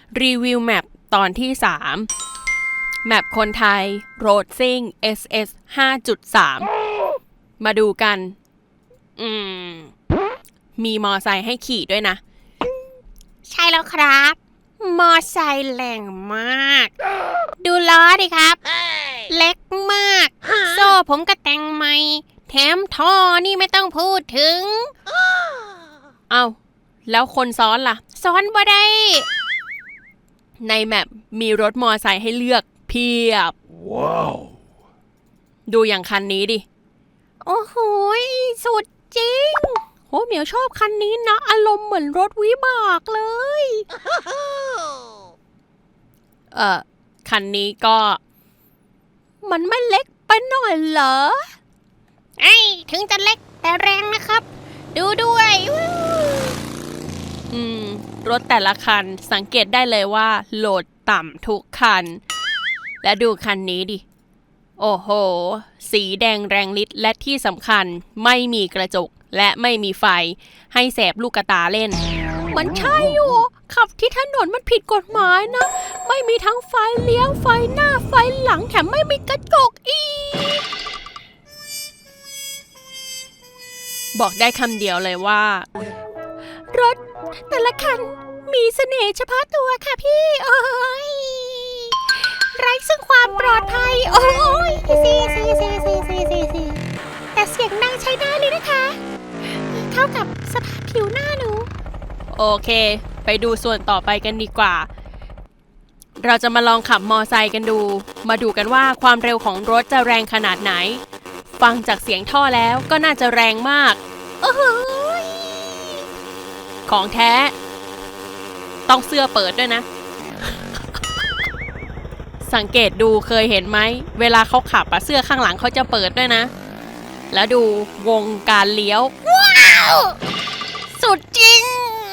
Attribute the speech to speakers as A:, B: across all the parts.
A: รีวิวแมปตอนที่3แมปคนไทย Road Sing SS 5.3 มาดูกันมีมอไซค์ให้ขี่ด้วยนะ
B: ใช่แล้วครับ มอไซค์แรงมาก ดูล้อดิครับ เล็กมาก โซ่ผมก็แต่งใหม่ แถมท่อนี่ไม่ต้องพูดถึง
A: เอาแล้วคนซ้อนล่ะ
B: ซ้อนบ่ได้
A: ในแมปมีรถมอไซค์ให้เลือกเพียบ ว้าว ดูอย่างคันนี้ดิ
B: โอ้โหสุดจริง
A: โหเหมียวชอบคันนี้นะ อารมณ์เหมือนรถวิบากเลย คันนี้ก็ มันไม่เล็กไปหน่อยเหรอ
B: ถึงจะเล็กแต่แรงนะครับ ดูด้วย
A: รถแต่ละคันสังเกตได้เลยว่าโหลดต่ำทุกคัน และดูคันนี้ดิ โอ้โห สีแดงแรงฤทธิ์และที่สำคัญไม่มีกระจกและไม่มีไฟให้แสบลูกตาเล่น มันใช่อยู่ขับที่ถนนมันผิดกฎหมายนะ ไม่มีทั้งไฟเลี้ยวไฟหน้าไฟหลังแถมไม่มีกระจกอีก บอกได้คำเดียวเลยว่า รถแต่ละคันมีเสน่ห์เฉพาะตัวค่ะพี่โอ้ยไร้ซึ่งความปลอดภัยโอ้ยซีแต่เสียงดังใช้ได้เลยนะคะเข้ากับสภาพผิวหน้าหนูโอเคไปดูส่วนต่อไปกันดีกว่าเราจะมาลองขับมอไซค์กันดูมาดูกันว่าความเร็วของรถจะแรงขนาดไหนฟังจากเสียงท่อแล้วก็น่าจะแรงมากโอ้โหของแท้ต้องเสื้อเปิดด้วยนะ สังเกตดูเคยเห็นไหมเวลาเขาขับเสื้อข้างหลังเขาจะเปิดด้วยนะแล้วดูวงการเลี้ยว
B: ว้าวสุดจริง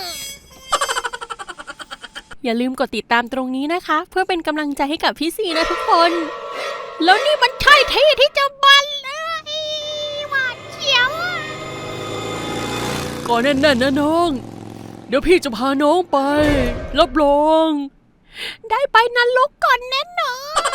A: อย่าลืมกดติดตามตรงนี้นะคะเพื่อเป็นกำลังใจให้กับพี่ซีนะทุกคนแล้วนี่มันใช่ที่ที่จะบันเลย
B: หวาดเสียว
A: ก่อนแน่นๆนะน้องเดี๋ยวพี่จะพาน้องไปรับรองได้ไปนรกก่อนแน่นอน